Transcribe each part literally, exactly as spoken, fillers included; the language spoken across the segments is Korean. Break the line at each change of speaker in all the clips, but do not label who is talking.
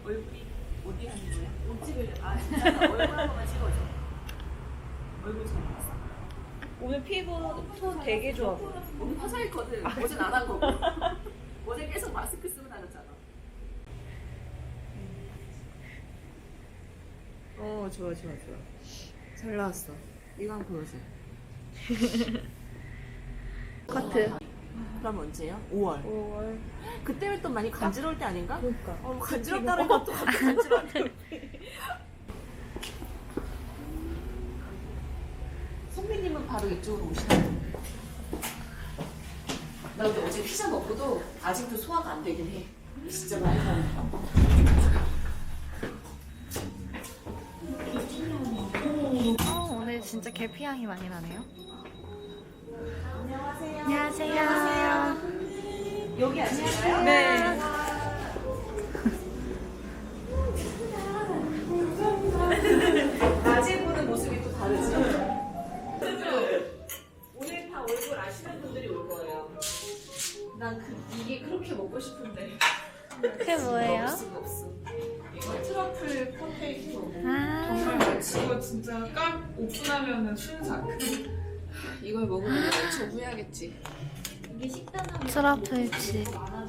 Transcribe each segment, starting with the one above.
얼굴이 어디 하는 거야? 옷 찍으려. 아 진짜 얼굴 한 번만 찍어줘. 얼굴 잘 나왔어.
오늘 피부 톤 되게 좋아.
오늘 화장했거든. 어제는 안 한 거고. 어제 계속 마스크 쓰고 다녔잖아. 어 좋아 좋아 좋아. 잘 나왔어. 이거 한번 보여줘.
커트.
그럼 언제요? 오월.
오월.
그때면 또 많이 간지러울 때 아닌가?
그러니까.
어, 간지럽다는 것도 갑자기 간지러운데. 선배님은 바로 이쪽으로 오시라고. 나 근데 어제 피자 먹고도 아직도 소화가 안 되긴 해. 진짜 많이 가니까.
어, 오늘 진짜 계피 향이 많이 나네요.
안녕하세요.
안녕하세요.
여기 앉으실까요?
네.
낮에 보는 모습이 또 다르지? 오늘 다 얼굴 아시는 분들이 올 거예요. 난 그, 이게 그렇게 먹고 싶은데.
그게 뭐예요?
없어, 없어. 이거 트러플 포테이토.
아,
정말 이거 진짜 깍 오픈하면은 순삭.
이걸 먹으면 엄청 후회하겠지.
트러플 칩.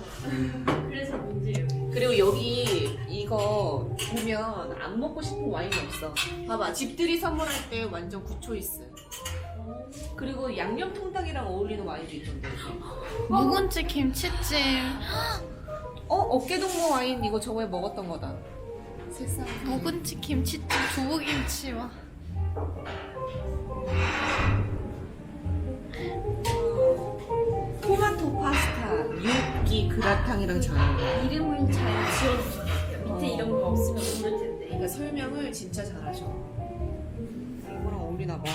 그리고 여기 이거 보면 안 먹고 싶은 와인이 없어. 봐봐, 집들이 선물할 때 완전 굿초이스. 그리고 양념 통닭이랑 어울리는 와인도 있던데.
묵은지 김치찜.
어? 어깨동무 와인 이거 저번에 먹었던 거다. 세상.
묵은지 김치찜, 두부김치 와.
토마토 파스타, 육기 그라탕이랑 잘 어울려.
이름을 잘 지어주셔야 돼요. 밑에
어.
이런 거 없으면 모를 텐데.
그러니까 설명을 진짜 잘하셔. 이거랑 어울리나 봐.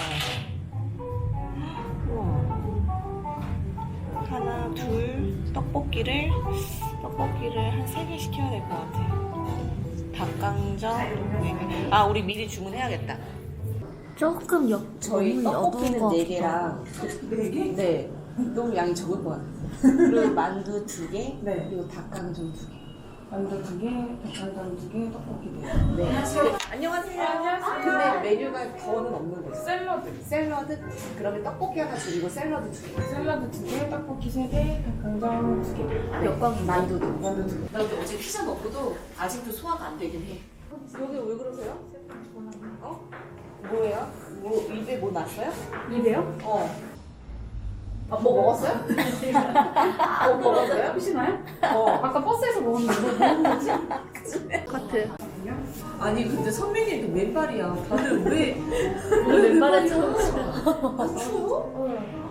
우와. 하나, 둘, 떡볶이를 떡볶이를 한 세 개 시켜야 될 것 같아. 닭강정. 네. 아, 우리 미리 주문해야겠다.
조금 역,
저희
너무
떡볶이는
여두고
네 개랑 네 개? 네. 너무 양이 적을 것 같아요. 그리고 만두 두 개,
네.
그리고 닭강정 두 개.
만두 두 개, 닭강정 두 개, 떡볶이 네 개.
네. 안녕하세요. 안녕하세요. 근데 메뉴가 더는 없는 거죠?
샐러드.
샐러드? 그러면 떡볶이 하나 줄이고 샐러드 두 개.
샐러드 두 개, 떡볶이 세 개, 닭강정 두 개.
몇 번? 만두도. 만두 두 개. 나 근데 어제 피자 먹고도 아직도 소화가 안 되긴 해. 여기 왜 그러세요? 어? 뭐예요? 뭐 입에 뭐 났어요?
입에요?
어. 아, 뭐 먹었어요? 뭐 먹었어요?
혹시나요?
어.
아까 버스에서 먹었는데 뭐 먹은 거지?
커트.
아니 근데 선배님도 왼발이야. 다들 왜?
오늘 왼발에 처음
아, 추워?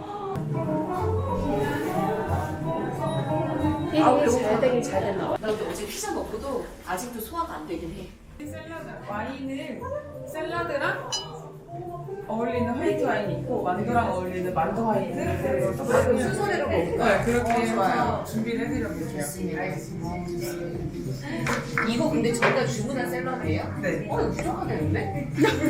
아, 잘 되긴 잘 됐나 봐.
나 근데 어제 피자 먹고도 아직도 소화가 안 되긴 해.
샐러드 와인은 샐러드랑 어울리는 화이트 와인이 있고 만두랑 어울리는 만두 화이트 그리고 떡볶이
순서대로 먹을까?
네 그렇게
어, 좋아요.
해서 준비를 해드려볼게요.
이거 근데 저희가 주문한 샐러드예요?
네.
어, 이거 무조건 되는데?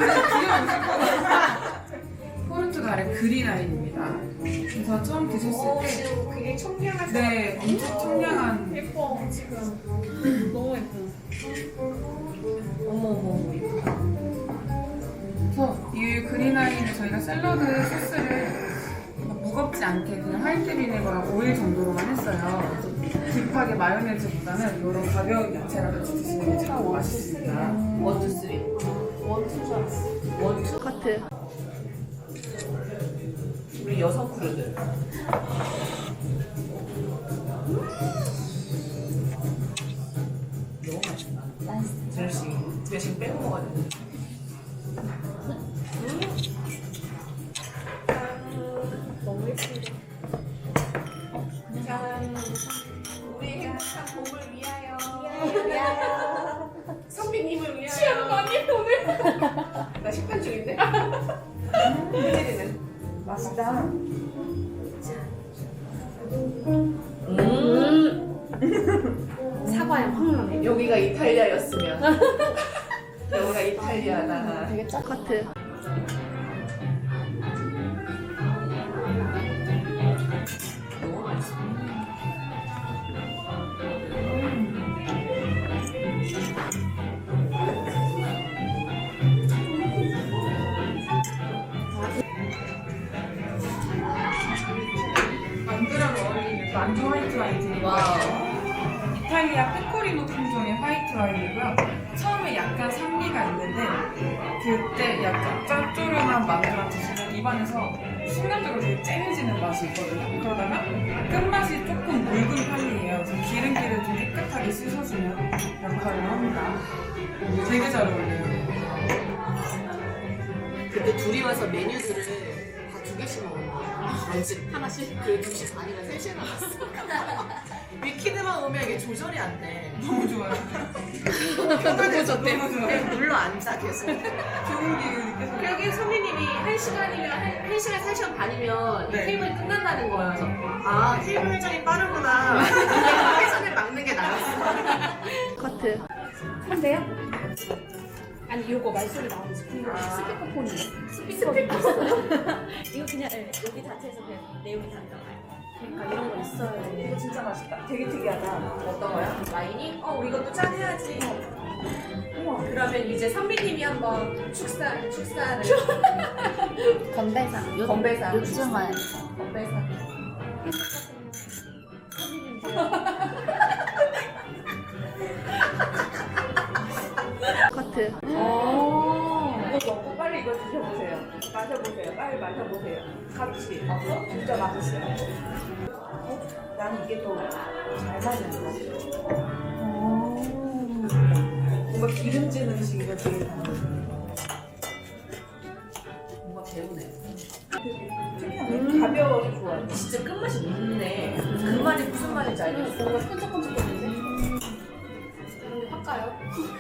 포르투갈의 그린 와인입니다. 그래서 처음 드셨을
어,
때
지금 굉장히 청량한
네, 엄청 청량한
예뻐, 지금. 너무 예뻐.
어머 어머 이쁘다.
그래서 이 그린 와인을 저희가 샐러드 소스를 무겁지 않게 그냥 화이트 비네거랑 오일 정도로만 했어요. 그래서 딥하게 마요네즈보다는 이런 가벼운 야채랑 같이 드시는 게 참 맛있습니다.
원투 쓰리. 원투 줄 알았어. 원투?
커트.
우리 여성 크루들. 너무 맛있다. 드레싱, 드레싱 빼고 먹어야 돼. 너무 예쁘다. 짠. 우리에게 항상 봄을 위하여. 위하여. 선비님을 위하여. 취하는 거 아니야, 오늘? 나 식단 중인데? 혜진이는?
맛있다.
음.
사과에 확 나네.
여기가 이탈리아였으면. 여기가 이탈리아다.
되게 짜. 커트.
너무 맛있어. 음.
만두 화이트 와인 드릴 거예요. 이탈리아 페코리노 품종의 화이트 와인이고요. 처음에 약간 산미가 있는데 그때 약간 짭조름한 만두랑 드시면 입안에서 순간적으로 되게 쨍해지는 맛이 있거든요. 그러다가 끝맛이 조금 묽은 편이에요. 그래서 기름기를 좀 깨끗하게 씻어주는 역할을 합니다. 되게 잘 어울려요.
근데 둘이 와서 메뉴들을 다 두 개씩 먹은 거야. 런치 하나씩? 그래, 두 시 반이나 세 시에 나갔어. 위키드만 오면 이게 조절이 안 돼.
너무 좋아요.
너무 좋대.
너무 좋아요.
물로 앉아, 계속.
좋은 기운이 느껴져요.
여기 손님이 한 시간이면, 한, 한 시간, 세 시간 반이면
네.
이 테이블이 끝난다는 거예요. 그래서, 아, 테이블 회전이 빠르구나. 그냥 회전을 막는 게 나았어.
커트.
한대요? 아니 이거 말소리 나오는 스피커 스피커폰이에요. 스피커
이거 그냥 네, 여기 자체에서 그냥 내용이 다 들어가요.
그러니까 이런 거 있어요.
이거 진짜 맛있다. 되게 특이하다.
어떤 거야? 와인이? 어, 우리 이것도 짠 해야지. 그러면 이제 선비님이 한번 축사, 축사를.
건배사. 요,
건배사.
요즘은
건배사.
커트.
이거 먹고 빨리 이거 드셔보세요. 마셔보세요. 빨리 마셔보세요. 같이. 진짜 맛있어요. 어? 나는 이게 더 잘 맞는 것 같아. 뭔가 기름진 음식이가 되게
뭔가 배우네.
특이하네. 가벼워서 좋아요.
진짜 끝맛이 묻네. 그 말이 무슨 말인지 알겠어.
뭔가 끈적끈적거리는데? 이런 게확 가요?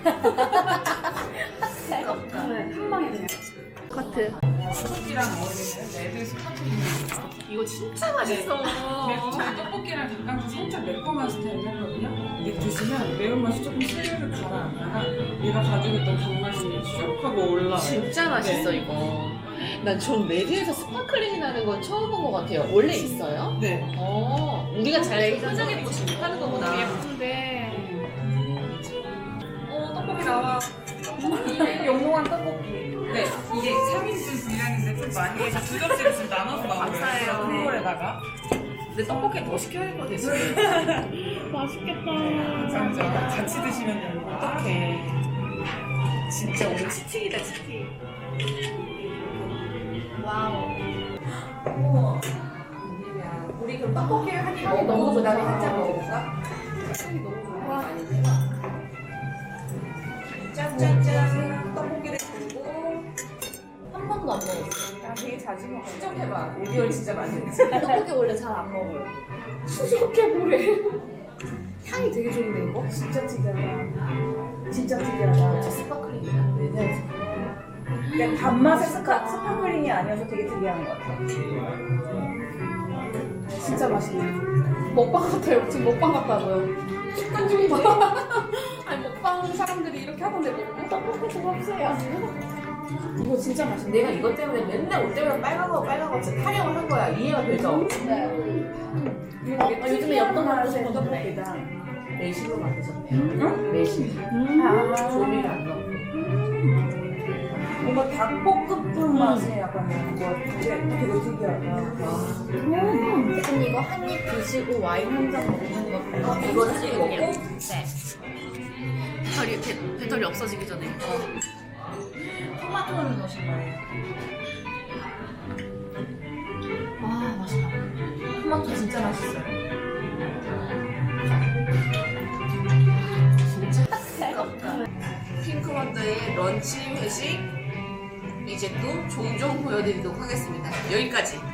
한 방에 그냥.
커트.
떡볶이랑 어울리는 레드 스파클링입니다.
이거 진짜 맛있어.
그리고 저희 떡볶이랑 닭강정 살짝 매콤한 스타일이거든요. 이게 드시면 매운맛이 조금 스르르 가라앉다가 얘가 가지고 있던 단맛이 슉 하고 올라와요.
진짜 맛있어, 이거. 난 전 레드에서 스파클링이 나는 건 처음 본 것 같아요. 원래 있어요?
네.
어, 우리가 잘 포장해 보지 못하는 거구나.
예쁜데
어, 떡볶이 나와.
영롱한 떡볶이.
네, 이게 삼 인분 분량인데 좀 많이 해서 두 접시를 지금 나눠서 나오고
감사해요.
있어요. 큰 볼에다가.
근데 떡볶이 더 시켜야 될 것 같아, 지금.
맛있겠다.
감사합니다. 같이 드시면 됩니다.
어떡해. 진짜 오늘 치팅이다, 치팅.
와우.
우와. 우리 그럼 떡볶이를 한 입 먹고 그 다음에 한잔 먹어볼까? 향이 너무 좋아. 아닌데? 짠짠짠. 떡볶이를 들고 한 번도 안 먹었어.
나 되게 자주 먹어.
추적해봐. 오디오를 진짜 많이 했지.
떡볶이 원래 잘 안 먹어요. 수수께끼래. 향이 되게 좋은데 이거?
진짜 특이하다. 진짜 특이하다.
스파클링이다. 네.
그냥 단맛의 스카, 스파클링이 아니어서 되게 특이한 것 같아.
진짜 맛있네. 먹방 같아요. 지금 먹방 같다고요. 식단 중이지. 아니 먹방 사람들이 이렇게 하던데 뭐 떡볶이 먹어보세요. 이거 진짜 맛있네.
내가 이것 때문에 맨날 올 때마다 빨간 거 빨간 거 진짜 타령을 한 거야. 이해가 되죠?
네.
어,
요즘에 엽떡
맛의
먹고
떡볶이다.
매실로 만드셨네요.
응?
매실.
아,
조미료 안 넣고.
뭔가 닭볶음탕 맛이 약간 나는 것 같은데 되게 특이하다.
대표님 이거 한 입 드시고 와인 한 잔 먹는 거.
어, 이거 한 입 먹고?
네. 배터리, 배, 배터리 없어지기 전에.
토마토를 넣으신 거예요.
와, 맛있다.
토마토 진짜 맛있어요. 진짜 핑크원더의 런치 회식 이제 또 종종 보여드리도록 하겠습니다. 여기까지.